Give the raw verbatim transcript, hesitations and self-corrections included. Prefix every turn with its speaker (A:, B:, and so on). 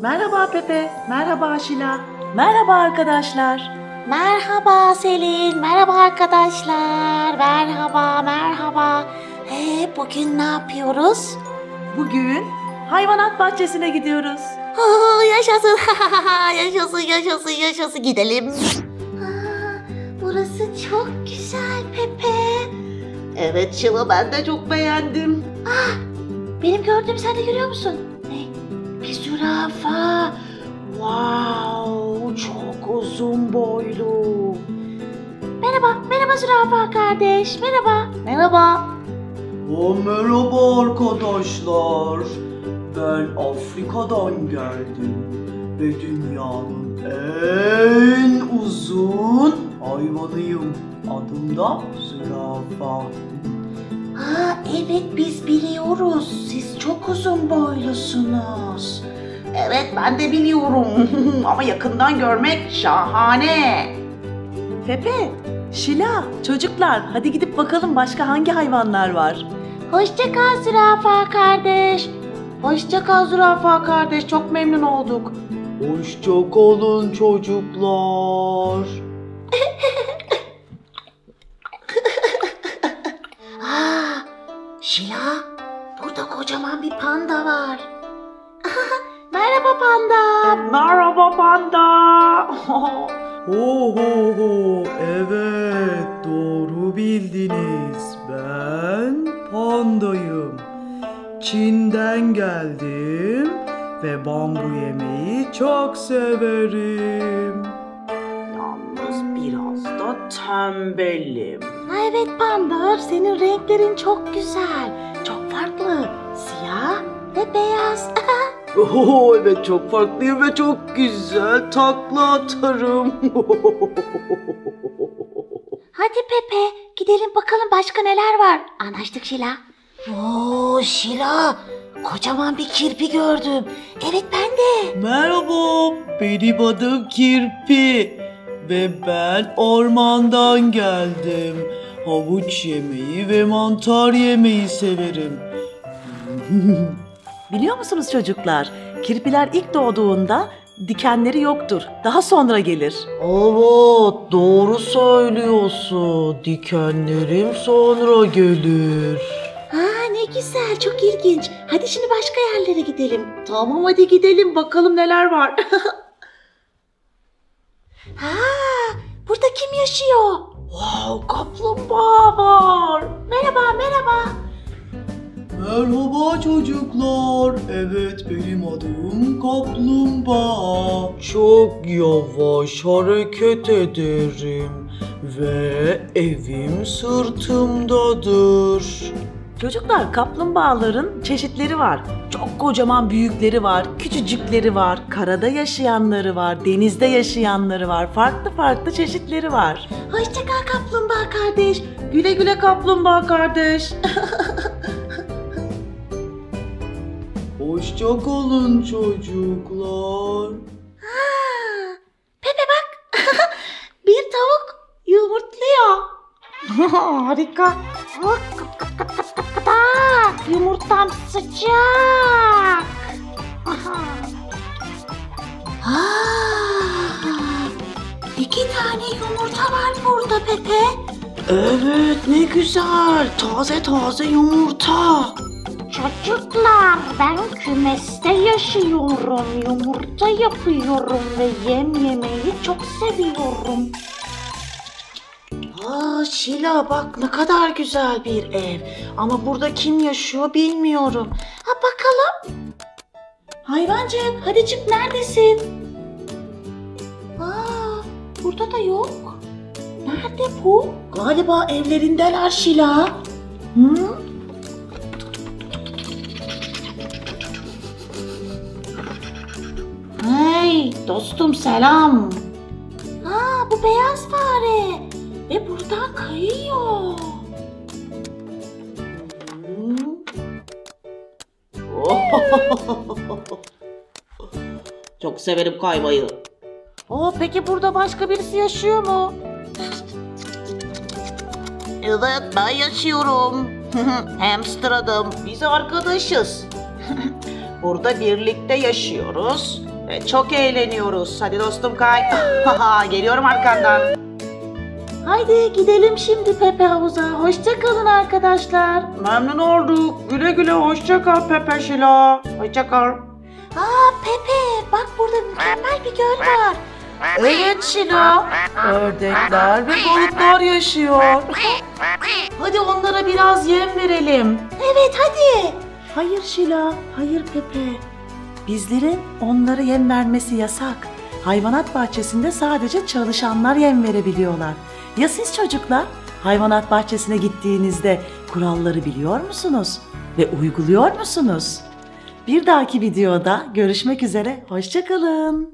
A: Merhaba Pepe, merhaba Şila, merhaba arkadaşlar.
B: Merhaba Selin, merhaba arkadaşlar, merhaba, merhaba. Ee, bugün ne yapıyoruz?
A: Bugün hayvanat bahçesine gidiyoruz.
B: Ha, yaşasın, yaşasın, yaşasın, yaşasın. Gidelim. Aa, burası çok güzel Pepe.
A: Evet Şila, ben de çok beğendim.
B: Ah, benim gördüğüm sen de görüyor musun? Ne? Bir zürafa.
A: Wow, çok uzun boylu.
B: Merhaba, merhaba zürafa kardeş, merhaba.
A: Merhaba. O merhaba arkadaşlar. Ben Afrika'dan geldim ve dünyanın en uzun hayvanıyım. Adım da zürafa.
B: Ha, evet biz biliyoruz. Siz çok uzun boylusunuz.
A: Evet, ben de biliyorum. Ama yakından görmek şahane. Pepe, Şila, çocuklar hadi gidip bakalım başka hangi hayvanlar var.
B: Hoşça kal zürafa kardeş.
A: Hoşça kal zürafa kardeş, çok memnun olduk. Hoşça kalın çocuklar.
B: Aa, Şila, burada kocaman bir panda var. Merhaba panda.
A: Merhaba panda. Ho ho ho, evet doğru bildiniz. Ben pandayım. Çin'den geldim ve bambu yemeyi çok severim. Yalnız biraz da tembelim.
B: Ha, evet panda, senin renklerin çok güzel. Çok farklı. Siyah ve beyaz.
A: Oh, evet çok farklıyım ve çok güzel takla atarım.
B: Hadi Pepe, gidelim bakalım başka neler var. Anlaştık Şila. Oo Şila, kocaman bir kirpi gördüm. Evet ben de.
A: Merhaba, benim adım Kirpi ve ben ormandan geldim. Havuç yemeyi ve mantar yemeyi severim. Biliyor musunuz çocuklar? Kirpiler ilk doğduğunda dikenleri yoktur. Daha sonra gelir. Evet, doğru söylüyorsun. Dikenlerim sonra gelir.
B: Ha, ne güzel, çok ilginç. Hadi şimdi başka yerlere gidelim.
A: Tamam hadi gidelim bakalım neler var.
B: Ha, burada kim yaşıyor?
A: Wow, kaplumbağa var.
B: Merhaba, merhaba.
A: Merhaba çocuklar. Evet benim adım Kaplumbağa. Çok yavaş hareket ederim ve evim sırtımdadır. Çocuklar, kaplumbağaların çeşitleri var. Çok kocaman büyükleri var, küçücükleri var, karada yaşayanları var, denizde yaşayanları var. Farklı farklı çeşitleri var.
B: Hoşça kal kaplumbağa kardeş.
A: Güle güle kaplumbağa kardeş. Hoşça kalın çocuklar.
B: Ha, Pepe bak. Bir tavuk yumurtluyor.
A: Harika.
B: Bak, kıt kıt kıt kıt kıt kıt. Aa, yumurtam sıcak. Aa, iki tane yumurta var burada Pepe.
A: Evet ne güzel. Taze taze yumurta.
B: Çocuklar, ben kümeste yaşıyorum, yumurta yapıyorum ve yem yemeyi çok seviyorum.
A: Aa Şila, bak ne kadar güzel bir ev. Ama burada kim yaşıyor bilmiyorum.
B: Ha bakalım.
A: Hayvancık hadi çık, neredesin?
B: Aa, burada da yok. Nerede bu?
A: Galiba evlerindeler Şila. Hı?
B: Hey dostum, selam. Aa, bu beyaz fare ve buradan kayıyor.
A: Çok severim kaymayı.
B: Oo, peki burada başka birisi yaşıyor mu?
A: Evet ben yaşıyorum. Hamster adım. Biz arkadaşız. Burada birlikte yaşıyoruz E, çok eğleniyoruz. Hadi dostum kay. Geliyorum arkandan.
B: Haydi gidelim şimdi Pepe havuza. Hoşça kalın arkadaşlar.
A: Memnun olduk. Güle güle hoşça kal Pepe Şila. Hoşça kal.
B: Aa Pepe, bak burada mükemmel bir göl var.
A: Evet Şila. Ördekler ve balıklar yaşıyor. Hadi onlara biraz yem verelim.
B: Evet hadi.
A: Hayır Şila, hayır Pepe. Bizlerin onlara yem vermesi yasak. Hayvanat bahçesinde sadece çalışanlar yem verebiliyorlar. Ya siz çocuklar? Hayvanat bahçesine gittiğinizde kuralları biliyor musunuz? Ve uyguluyor musunuz? Bir dahaki videoda görüşmek üzere, hoşça kalın.